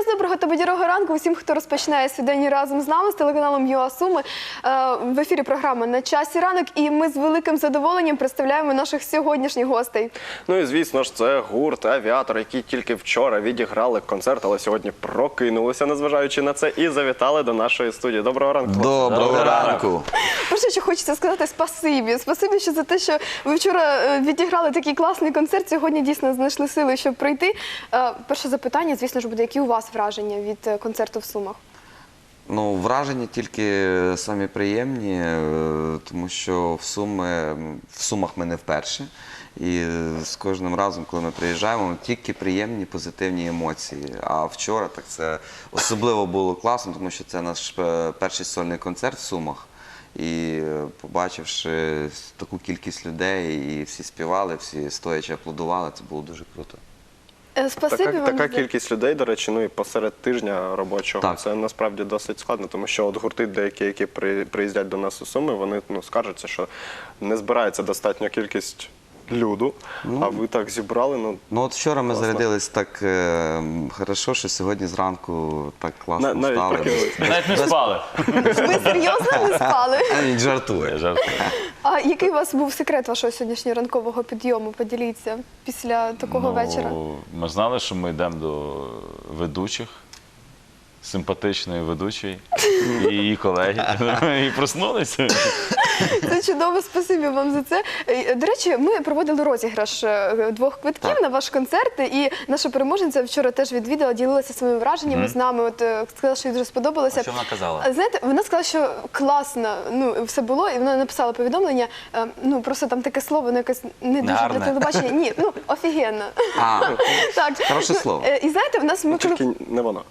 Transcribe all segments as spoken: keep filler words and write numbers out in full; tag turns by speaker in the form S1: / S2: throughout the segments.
S1: доброго та бадьорого ранку усім, хто розпочинає свій день разом з нами, з телеканалом ЮА Суми. В ефірі програма «На часі ранок» і ми з великим задоволенням представляємо наших сьогоднішніх гостей.
S2: Ну і звісно ж, це гурт «Авіатор», які тільки вчора відіграли концерт, але сьогодні прокинулися, незважаючи на це, і завітали до нашої студії. Доброго ранку.
S3: Доброго ранку.
S1: Перше, що хочеться сказати, спасибі. Спасибі, що за те, що ви вчора відіграли такий класний концерт, сьогодні дійсно знайшли сили, щоб прийти. Перше запитання, звісно ж, буде, які у вас враження від концерту в Сумах?
S3: Ну, враження тільки самі приємні, тому що в, Суми, в Сумах ми не вперше. І з кожним разом, коли ми приїжджаємо, тільки приємні, позитивні емоції. А вчора так це особливо було класно, тому що це наш перший сольний концерт в Сумах. І побачивши таку кількість людей, і всі співали, всі стоячи аплодували, це було дуже круто.
S1: Спасибі
S2: така,
S1: вам.
S2: така кількість людей, до речі, ну і посеред тижня робочого,
S3: так.
S2: Це насправді досить складно, тому що от гурти деякі, які приїздять до нас у Суми, вони ну, скаржаться, що не збирається достатня кількість люду, ну, а ви так зібрали. Ну,
S3: ну от вчора ми
S2: класно.
S3: зарядились так е, хорошо, що сьогодні зранку так класно
S2: На,
S3: стали.
S2: навіть,
S4: навіть не спали.
S1: Ви серйозно не спали?
S3: Він жартує.
S4: Жартую.
S1: А який у вас був секрет вашого сьогоднішнього ранкового підйому? Поділіться після такого вечора.
S4: Ми знали, що ми йдемо до ведучих, симпатичної ведучої і її колеги. І проснулися.
S1: Це чудово, спасибі вам за це. До речі, ми проводили розіграш двох квитків
S3: так.
S1: на ваш концерт, і наша переможниця вчора теж відвідала, ділилася своїми враженнями mm. з нами, от сказала, що їй дуже сподобалося.
S4: А що вона казала?
S1: Знаєте, вона сказала, що класно, ну, все було, і вона написала повідомлення, ну, просто там таке слово, ну, якесь не дуже
S4: Гарне.
S1: для телебачення. Ні, ну, офігенно.
S3: А,
S1: Так.
S3: хороше слово.
S1: І знаєте, в нас ми коли...
S2: тільки не воно.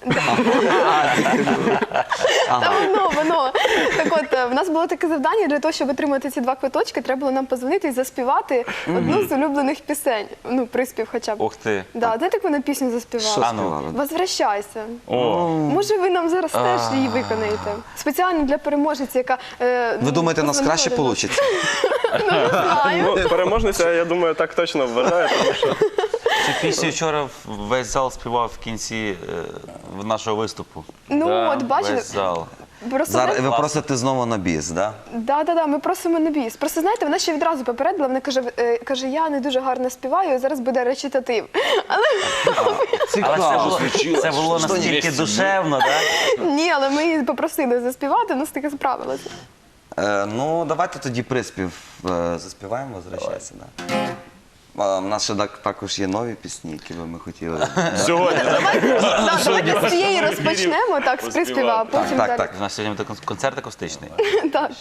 S1: Та воно, воно. Так от, в нас було таке завдання, для того, щоб отримати ці два квиточки, треба було нам позвонити і заспівати одну з улюблених пісень. Ну, приспів хоча б.
S4: Ух ти.
S1: Да, знаєте, як вона пісню заспівала?
S3: Що
S4: А ну.
S3: співали?
S1: «Возвращайся».
S4: О,
S1: Може, ви нам зараз теж її виконаєте? Спеціально для переможниці, яка... е,
S3: Ви думаєте, у нас
S1: позвонила
S3: краще
S1: до нас.
S3: вийде?
S1: Ну, не знаю.
S2: Ну, переможниця, я думаю, так точно вважає, тому що
S5: Цю пісню вчора весь зал співав в кінці е, нашого виступу.
S1: Ну,
S4: Да,
S1: от, бачите,
S5: Весь зал.
S1: просто...
S3: Зараз
S1: знаєте,
S3: ви просите знову на біс, так?
S1: Да, да, да, ми просимо на біс. Просто, знаєте, вона ще відразу попередила, вона каже, е, каже, я не дуже гарно співаю, і зараз буде речитатив. Але
S5: Але це було, це було настільки душевно, так?
S1: ні, але ми її попросили заспівати, вона таки справилася.
S3: Е, ну, давайте тоді приспів е, заспіваємо, возвращайся. Да. А, у нас ще так, також є нові пісні, які би ми хотіли.
S2: сьогодні.
S1: Да, давайте з цієї розпочнемо, так, з приспіва, а потім
S3: Так,
S1: далі.
S3: так.
S5: У нас сьогодні буде концерт акустичний.
S1: Так.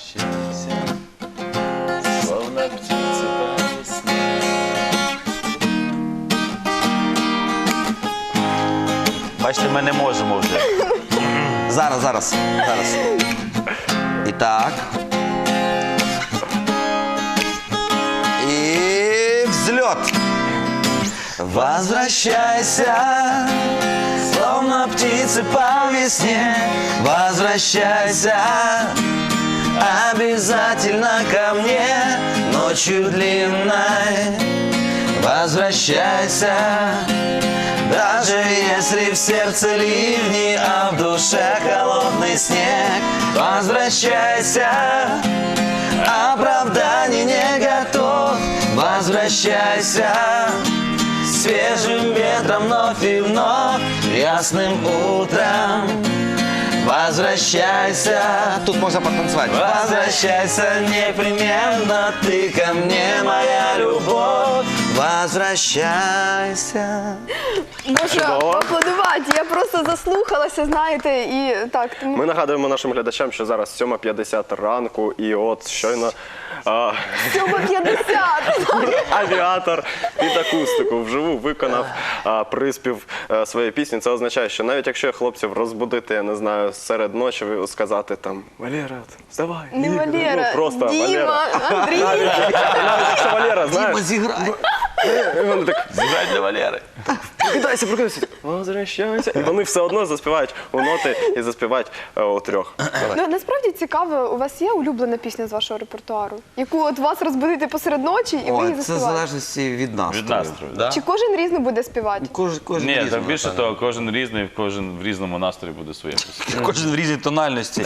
S4: словно птиці по весні.
S5: Бачите, ми не можемо вже.
S3: Зараз, зараз, зараз. І так. И взлет. Возвращайся, словно птицы по весне. Возвращайся, обязательно ко мне ночью длинной. Возвращайся, даже если в сердце ливни, а в душе холодный снег. Возвращайся, оправданий не готов. Возвращайся, свежим ветром вновь и вновь, ясным утром. Возвращайся, тут можно потанцевать. Возвращайся непременно, ты ко мне, моя любовь. Возвращайся.
S1: Можу поаплодувати, я просто заслухалася, знаєте, і так. Тому...
S2: Ми нагадуємо нашим глядачам, що зараз сьома п'ятдесят ранку, і от щойно а,
S1: сьома п'ятдесят.
S2: «Авіатор» під акустику вживу виконав а, приспів а, своєї пісні. Це означає, що навіть якщо хлопців розбудити, я не знаю, серед ночі, сказати там «Валера, вставай».
S1: Не
S2: Ігор»,
S1: Валера,
S2: ну, просто
S1: Діма,
S2: Валера.
S1: Андрій.
S2: Навіть якщо Валера, знаєш,
S3: Зіграй.
S2: і вони так,
S5: Зіграй для Валери.
S2: Прокидайся, прокидайся. Возвращайся. І вони все одно заспівають у ноти і заспівають е, у трьох. Давай.
S1: Ну, насправді цікаво, у вас є улюблена пісня з вашого репертуару, яку от вас розбудити посеред ночі і ви
S3: Ой,
S1: її
S3: це в
S1: заспіваєте?
S3: залежності від настрою.
S4: Від настрою,
S3: Да?
S1: Чи кожен різно буде співати?
S3: Кожен, кожен
S4: Ні,
S3: різний,
S4: там більше
S3: напевно.
S4: того, кожен різний, кожен в різному настрої буде своє пісня.
S5: Кожен в різній тональності.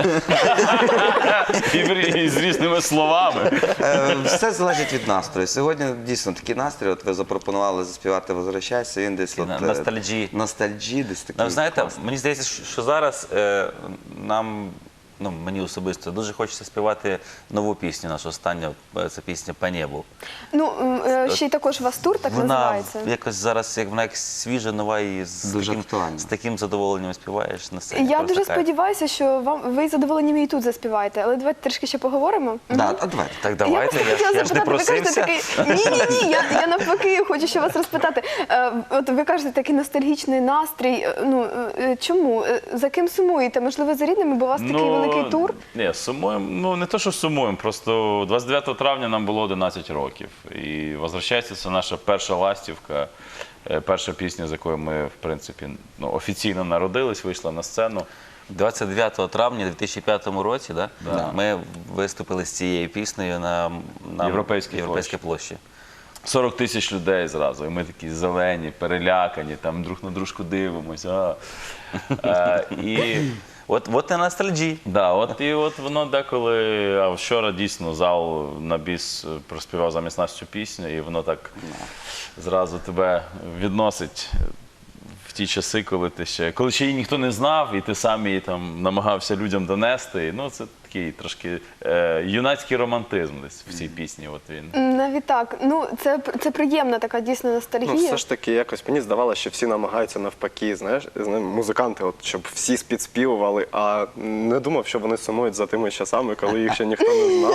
S4: І, в- і з різними словами.
S3: Е, Все залежить від настрою. Сьогодні дійсно такий настрій. От ви запропонували заспівати «Возвращайся», він десь от,
S5: на-
S3: е,
S5: ностальджі.
S3: ностальджі, десь такий.
S5: Ну, знаєте,
S3: класний.
S5: мені здається, що- що зараз е, нам, ну мені особисто, дуже хочеться співати нову пісню, нашу останню, е, це пісня «По небу».
S1: Ну, м, е, ще й також у вас тур так
S5: Вона
S1: називається.
S5: якось зараз, як вона як свіжа, нова і з
S3: Дуже
S5: таким,
S3: актуальна.
S5: з таким задоволенням співаєш на сцені.
S1: Я
S5: Просто
S1: дуже
S5: кайф.
S1: сподіваюся, що вам ви задоволені і тут заспіваєте, але давайте трішки ще поговоримо.
S3: Да, а давайте.
S5: Так давайте,
S1: я,
S5: я,
S1: просто
S5: ж- я ж не
S1: хотіла запитати, ви
S5: просився.
S1: кажете такий, ні, ні, ні, я, я навпаки хочу ще вас розпитати. Е, от ви кажете, такий ностальгічний настрій. Е, Ну, е, чому? Е, За ким сумуєте? Можливо, за рідними, бо у вас такий великий тур?
S4: Ні, сумуємо. Ну не то, що сумуємо, просто двадцять дев'ятого травня нам було одинадцять років. І «Возвращайся» – це наша перша ластівка, е, перша пісня, з якою ми, в принципі, ну, офіційно народились, вийшла на сцену.
S5: двадцять дев'ятого травня дві тисячі п'ятому році, да?
S4: Да.
S5: Ми виступили з цією піснею на, на
S4: Європейській
S5: Європейській площі.
S4: сорок тисяч людей зразу, і ми такі зелені, перелякані, там друг на дружку дивимося. Е, і
S5: От, от і ностальджі.
S4: Да, от і от воно деколи, а вчора дійсно зал на біс проспівав замість нас цю пісню, і воно так зразу тебе відносить в ті часи, коли ти ще, коли ще її ніхто не знав, і ти сам її там намагався людям донести. Ну, це такий трошки е, юнацький романтизм десь в цій пісні. От він.
S1: Навіть так. Ну, це, це приємна така дійсно
S2: Ну,
S1: ностальгія.
S2: все ж таки, якось мені здавалося, що всі намагаються навпаки, знаєш, знаєш, музиканти, от, щоб всі підспівували, а не думав, що вони сумують за тими часами, коли їх ще ніхто не знав.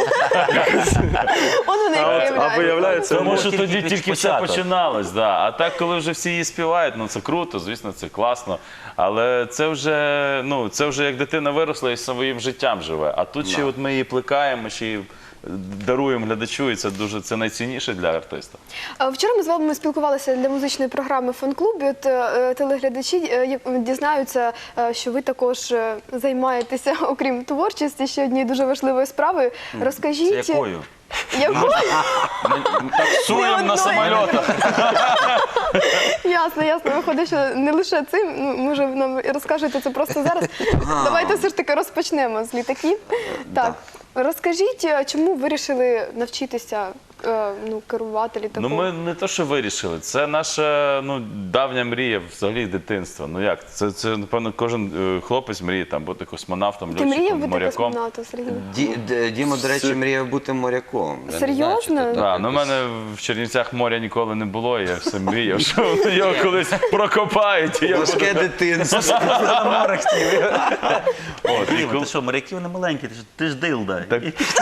S1: Он вони
S2: А, от, а
S1: виявляють.
S2: виявляється,
S4: Тому
S2: ну,
S4: що
S5: тільки-
S4: тоді
S5: тільки
S4: тільки все
S5: початок.
S4: починалось, да. А так, коли вже всі її співають, ну це круто, звісно, це класно. Але це вже, ну, це вже як дитина виросла і своїм життям живе. А тут ще от ми її плекаємо, ще її даруємо глядачу, і це дуже це найцінніше для артиста.
S1: А Вчора ми з вами спілкувалися для музичної програми «Фан-клуб». І От е, телеглядачі е, як- дізнаються, е, що ви також е, займаєтеся, окрім творчості, ще однією дуже важливою справою. Розкажіть,
S5: Це якою?
S1: якою?
S4: Суєм на
S1: одної.
S4: самольотах.
S1: Ясно, ясно. Виходить, що не лише цим. Ну, може, ви нам розкажете це просто зараз. Давайте все ж таки розпочнемо з літаків. Так, розкажіть, е, чому вирішили навчитися е, ну, керувати літаком?
S4: Ну ми не то, що вирішили. Це наша ну, давня мрія взагалі дитинства. Ну як? Це, це напевно, кожен е, хлопець мріє там бути космонавтом,
S1: Ти мріяв
S4: льотчиком,
S1: бути
S4: моряком.
S1: космонавтом, Сергій?
S3: Ді- Д- Діма, до речі, мріяв бути моряком. Я не знаю,
S1: Серйозно?
S3: чи ти так
S4: Да, ну, у
S3: якось-
S4: мене в Чернівцях моря ніколи не було, і я все мріяв, що його колись прокопають. І я буду...
S3: Важке дитинство.
S4: От, і
S5: Діма,
S4: коли-
S5: ти що, моряки вони маленькі, ти ж, ти ж дилда.
S4: Так.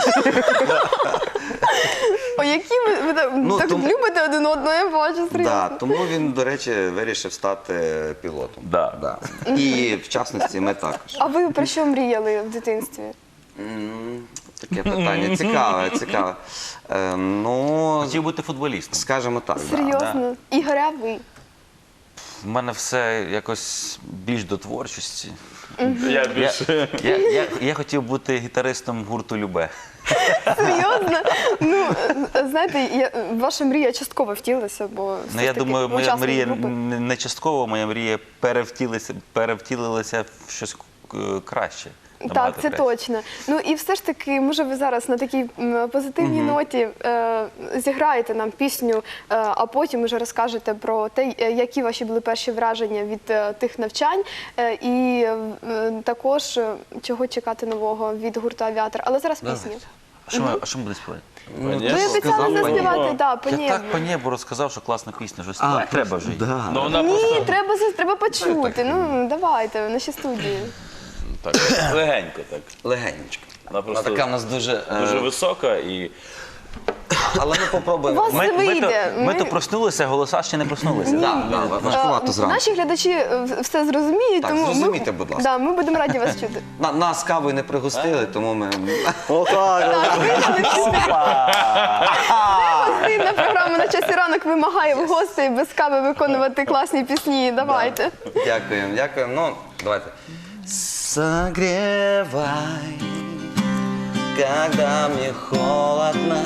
S1: О, які ви, ви так,
S3: Ну,
S1: так
S3: тому-
S1: любите один одного, я бачу, серйозно.
S3: Да, тому він, до речі, вирішив стати пілотом.
S4: Да.
S3: Да. І в частності ми також.
S1: А ви про що мріяли в дитинстві?
S3: М, Таке питання цікаве, цікаве. Е, ну,
S5: Хотів бути футболістом.
S3: скажімо так. да.
S1: Серйозно? Ігор, а ви?
S5: У мене все якось більш до творчості.
S4: Я
S5: Я,
S4: більше...
S5: я, я, я хотів бути гітаристом гурту Любе.
S1: Серйозно? Ну, е, знаєте, я, ваша мрія частково втілилася, бо все
S5: Ну,
S1: ж
S5: я
S1: таки
S5: думаю, моя
S1: учасник
S5: мрія
S1: групи.
S5: не не частково, моя мрія перевтілилася, перевтілилася в щось е, краще.
S1: Так,
S5: набагато
S1: це
S5: краще.
S1: точно. Ну і все ж таки, може, ви зараз на такій м, позитивній ноті е, зіграєте нам пісню, е, а потім вже розкажете про те, е, які ваші були перші враження від е, тих навчань, е, і е, також е, чого чекати нового від гурту «Авіатор». Але зараз пісня.
S5: А що, ми- а що ми будемо співати?
S3: Ну,
S1: Ви
S3: я ж
S1: обіцяли
S3: сказав, пані.
S1: заспівати, да, по
S5: Я
S1: небу.
S5: так по небу розказав, що класна пісня, що
S3: А,
S5: співати треба вже. її.
S3: Да.
S4: Ну, вона
S1: Ні,
S4: просто
S1: треба, за- треба почути. Ну, давайте, в нашій студії.
S4: так, легенько так.
S3: Легенечко.
S4: Вона
S3: Вона
S4: просто
S3: така в нас дуже... е,
S4: дуже висока і
S3: Але ми попробуємо.
S1: У вас
S5: Ми,
S1: це
S5: ми, то,
S1: вийде.
S5: ми
S1: Ми-
S5: то проснулися, голоса ще не проснулися.
S3: Да, да, важкувато
S1: Е,
S3: зранку.
S1: Наші глядачі е, все зрозуміють,
S3: Так,
S1: тому
S3: зрозумійте,
S1: ми,
S3: будь ласка.
S1: Да, ми будемо раді вас чути.
S3: На- Нас кавою не пригостили, тому ми...
S2: Отак.
S1: Так, виграли всі. Гостинна програма «На часі ранок» вимагає в гостей без кави виконувати класні пісні. Давайте.
S3: Дякуємо, дякуємо. Ну, давайте. Согревай, когда мне холодно,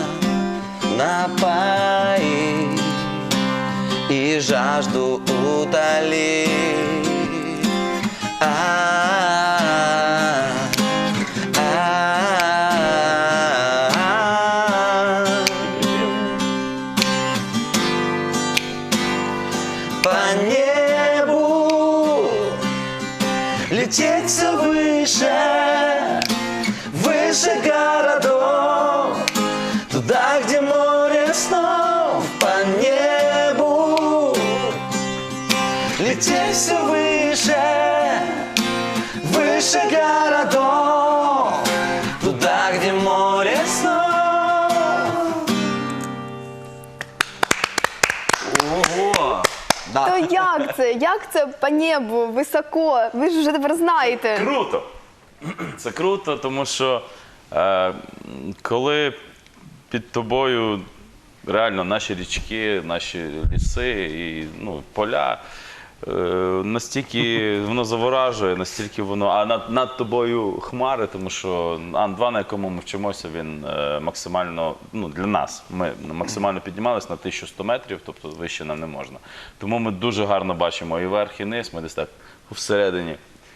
S3: напои и жажду утоли. А-а-а, а-а-а. По небу лететь все выше, выше городов, туда, где море снов. По небу лететь все выше, выше городов, туда, где море снов.
S5: Ого!
S1: То як це? Як це по небу, високо? Ви ж вже тепер знаєте.
S4: Круто! Це круто, тому що е, коли під тобою реально наші річки, наші ліси і ну, поля, е, настільки воно заворажує, настільки воно, а над, над тобою хмари, тому що Ан два, на якому ми вчимося, він е, максимально, ну для нас, ми максимально піднімалися на тисячу сто метрів, тобто вище нам не можна. Тому ми дуже гарно бачимо і верх, і низ, ми десь так всередині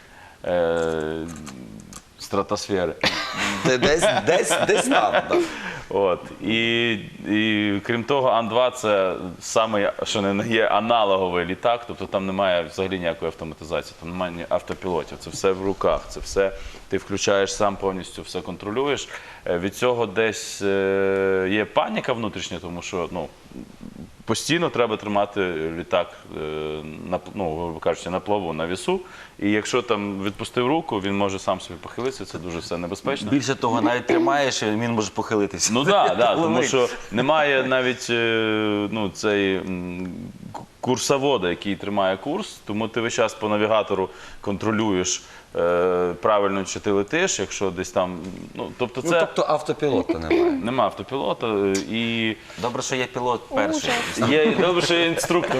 S4: е, стратосфери.
S3: Десь, десь, десь там, да.
S4: От. І, і крім того, Ан два це саме, що не є аналоговий літак, тобто там немає взагалі ніякої автоматизації, там немає ні автопілотів, це все в руках, це все ти включаєш сам повністю, все контролюєш. Е, Від цього десь е, є паніка внутрішня, тому що ну, постійно треба тримати літак е, на, ну, грубо кажучи, на плаву, на вісу. І якщо там відпустив руку, він може сам собі похилитися, це дуже все небезпечно.
S5: Більше того, навіть тримаєш, і він може похилитися.
S4: Ну так, да, тому
S5: Ловить.
S4: що немає навіть е, ну, цей м, к- курсовода, який тримає курс, тому ти весь час по навігатору контролюєш е, правильно, чи ти летиш, якщо десь там. Ну, тобто
S3: Ну,
S4: це
S3: тобто автопілота немає.
S4: нема автопілота е, і
S5: Добре, що є пілот перший.
S4: є добре, що є інструктор.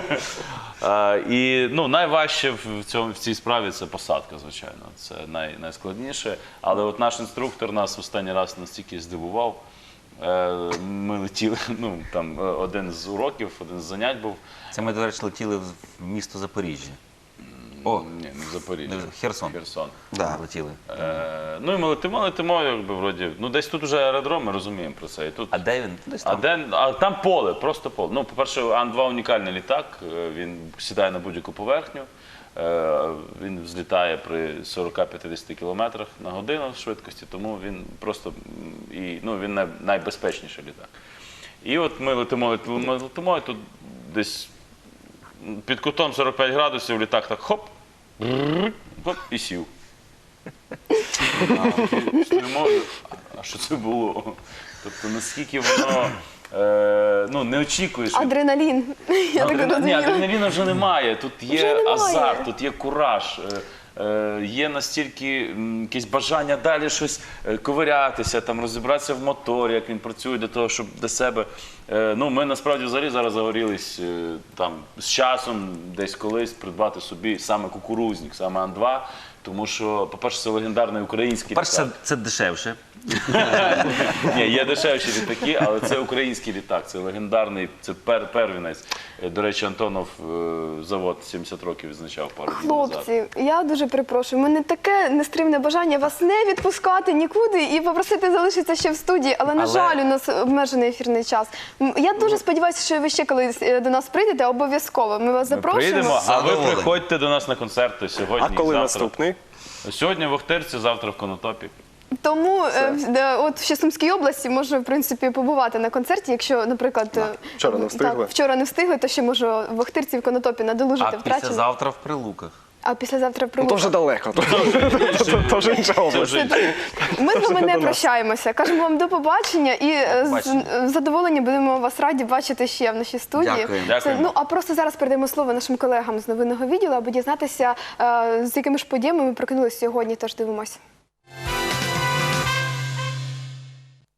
S4: А, і ну, найважче в, цьому, в цій справі це посадка, звичайно. Це най, найскладніше. Але от наш інструктор нас останній раз настільки здивував. Е, Ми летіли, ну там е, один з уроків, один з занять був.
S5: Це ми, до речі, летіли в місто Запоріжжя. О,
S4: Ні, не в Запоріжжі.
S5: Не в Херсон.
S4: Херсон.
S3: Да.
S5: Летіли.
S4: Е, ну і ми летимо, летимо, якби вроді. Ну десь тут вже аеродром, ми розуміємо про це. І тут
S5: А де він? Десь
S4: А,
S5: там.
S4: де, а там поле, просто поле. Ну, по-перше, Ан два унікальний літак, е, він сідає на будь-яку поверхню, е, він взлітає при сорок-п'ятдесят кілометрах на годину швидкості, тому він просто м, і, ну, він най, найбезпечніший літак. І от ми летимо, летимо, ми летимо, і тут десь під кутом сорок п'ять градусів літак так хоп, бррр, хоп, і сів. А, стоїмо, а що це було? Тобто наскільки воно е, ну, не очікуєш. від-
S1: Адреналін. Я так
S4: Адрена- Ні,
S1: розумію.
S4: адреналіну вже немає. Тут є
S1: Вже немає.
S4: азарт, тут є кураж. е, е, Є настільки м, якесь бажання далі щось е, ковирятися, там, розібратися в моторі, як він працює для того, щоб для себе. Е, Ну, ми насправді взагалі зараз загорілись е, там, з часом десь колись придбати собі саме кукурузник, саме Ан два. Тому що, по-перше, це легендарний український
S5: Перше, це,
S4: літак.
S5: це дешевше.
S4: Ні, є дешевші літаки, але це український літак, це легендарний, це пер, первінець. Е, До речі, Антонов е, завод сімдесят років відзначав пару днів назад.
S1: Хлопці, я дуже перепрошую. У мене таке нестримне бажання вас не відпускати нікуди і попросити залишитися ще в студії, але, на
S5: Але-
S1: жаль, у нас обмежений ефірний час. М, Я дуже сподіваюся, що ви ще колись е, до нас прийдете, обов'язково. Ми вас
S4: Ми
S1: запрошуємо.
S4: прийдемо, а ви
S3: Задоволені.
S4: приходьте до нас на концерти сьогодні.
S2: А коли
S4: завтра.
S2: наступний?
S4: Сьогодні в Охтирці, завтра в Конотопі.
S1: Тому е, в- де- от ще Сумській області можна, в принципі, побувати на концерті, якщо, наприклад, е,
S2: Вчора не встигли.
S1: Так, вчора не встигли, то ще можу в Охтирці в Конотопі надолужити
S5: А
S1: втрачене.
S5: післязавтра в Прилуках.
S1: А післязавтра в
S2: Ну,
S1: Приморську.
S2: то вже далеко, то, то, то вже інша
S4: Це
S2: область.
S4: вже
S1: Ми з вами
S2: до
S1: не
S2: нас.
S1: прощаємося. Кажемо вам до побачення і е, з
S5: побачення.
S1: з задоволенням будемо вас раді бачити ще в нашій студії.
S3: Дякуємо.
S1: Це,
S4: Дякуємо.
S1: ну а просто зараз передаємо слово нашим колегам з новинного відділу, аби дізнатися, е, з якими ж подіями ми прокинулися сьогодні. Тож дивимося.